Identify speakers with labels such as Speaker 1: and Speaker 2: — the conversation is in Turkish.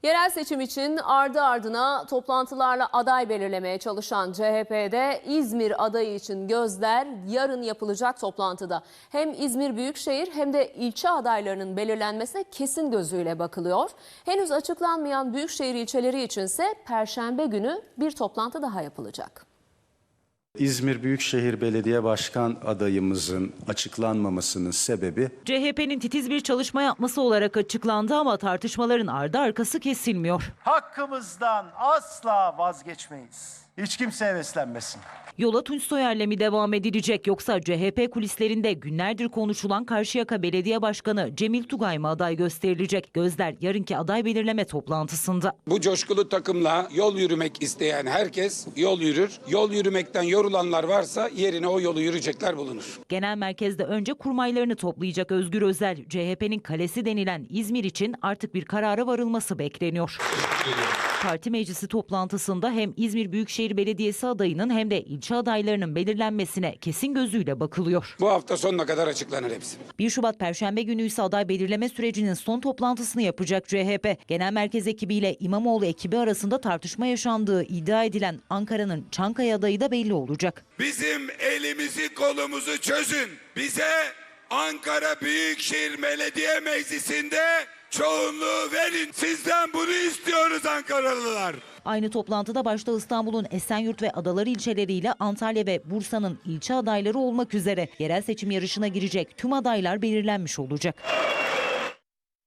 Speaker 1: Yerel seçim için ardı ardına toplantılarla aday belirlemeye çalışan CHP'de İzmir adayı için gözler yarın yapılacak toplantıda. Hem İzmir Büyükşehir hem de ilçe adaylarının belirlenmesine kesin gözüyle bakılıyor. Henüz açıklanmayan Büyükşehir ilçeleri içinse Perşembe günü bir toplantı daha yapılacak.
Speaker 2: İzmir Büyükşehir Belediye Başkan adayımızın açıklanmamasının sebebi
Speaker 3: CHP'nin titiz bir çalışma yapması olarak açıklandı ama tartışmaların ardı arkası kesilmiyor.
Speaker 4: Hakkımızdan asla vazgeçmeyiz. Hiç kimse heveslenmesin.
Speaker 3: Yola Tunç Soyer'le mi devam edilecek yoksa CHP kulislerinde günlerdir konuşulan Karşıyaka Belediye Başkanı Cemil Tugay mı aday gösterilecek? Gözler yarınki aday belirleme toplantısında.
Speaker 5: Bu coşkulu takımla yol yürümek isteyen herkes yol yürür. Yol yürümekten yorulanlar varsa yerine o yolu yürüyecekler bulunur.
Speaker 3: Genel merkezde önce kurmaylarını toplayacak Özgür Özel, CHP'nin kalesi denilen İzmir için artık bir karara varılması bekleniyor. Parti meclisi toplantısında hem İzmir Büyükşehir Belediyesi adayının hem de ilçe adaylarının belirlenmesine kesin gözüyle bakılıyor.
Speaker 5: Bu hafta sonuna kadar açıklanır hepsi.
Speaker 3: 1 Şubat Perşembe günü ise aday belirleme sürecinin son toplantısını yapacak CHP. Genel merkez ekibiyle İmamoğlu ekibi arasında tartışma yaşandığı iddia edilen Ankara'nın Çankaya adayı da belli olacak.
Speaker 6: Bizim elimizi kolumuzu çözün. Bize Ankara Büyükşehir Belediye Meclisi'nde çoğunluğu verin. Sizden bunu istiyoruz Ankaralılar.
Speaker 3: Aynı toplantıda başta İstanbul'un Esenyurt ve Adaları ilçeleriyle Antalya ve Bursa'nın ilçe adayları olmak üzere yerel seçim yarışına girecek tüm adaylar belirlenmiş olacak.